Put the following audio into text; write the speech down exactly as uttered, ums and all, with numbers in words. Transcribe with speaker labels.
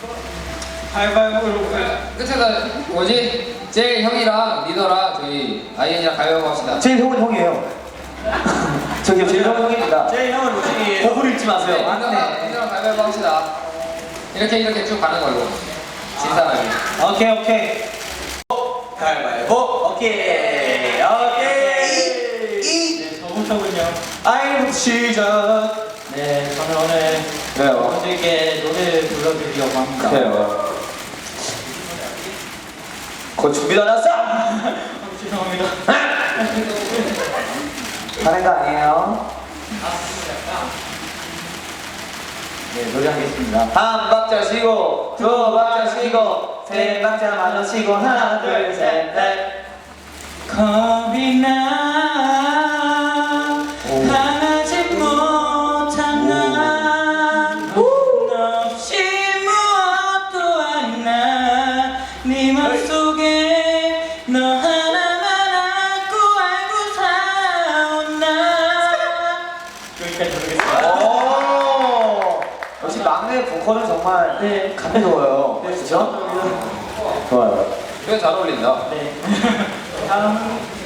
Speaker 1: 가위바위보.
Speaker 2: 끝에서 뭐지? 제일 형이랑 리더랑 저희 아이엔이랑 가위바위보 합시다.
Speaker 3: 제일 형은 형이에요. 저기요, 제일 형은 형입니다.
Speaker 1: 제일 형은 로칭이에요.
Speaker 3: 거부를 잊지
Speaker 2: 네,
Speaker 3: 마세요.
Speaker 2: 리더랑, 리더랑 가위바위보 합시다. 이렇게 이렇게 쭉 가는 걸로. 진 사람이.
Speaker 3: 오케이, 오케이.
Speaker 1: 가위바위보. 오케이. 오케이. 네, 저부터군요. 아이부터 시작. 네, 저는 오늘
Speaker 3: 왜요?
Speaker 1: 여러분들께 노래를 불러드리려고 합니다.
Speaker 3: 그래요. 곧 준비도 안 왔어?
Speaker 1: 죄송합니다.
Speaker 3: 하는 거 아니에요? 네, 노래하겠습니다. 한 박자 쉬고, 두 박자 쉬고, 세 박자 마저 쉬고, 하나, 둘, 셋, 넷.
Speaker 1: 겁이 나 하지 못한 나 없이 무엇도 안나네 맘속에 너 하나만 안고 알고 사온 나 여기까지 부르겠습니다.
Speaker 3: 오! 역시 막내 보컬은 정말
Speaker 1: 네.
Speaker 3: 감미로워요.
Speaker 1: 네,
Speaker 3: 그죠? 좋아요.
Speaker 2: 그래 잘 어울린다.
Speaker 1: 네. 다음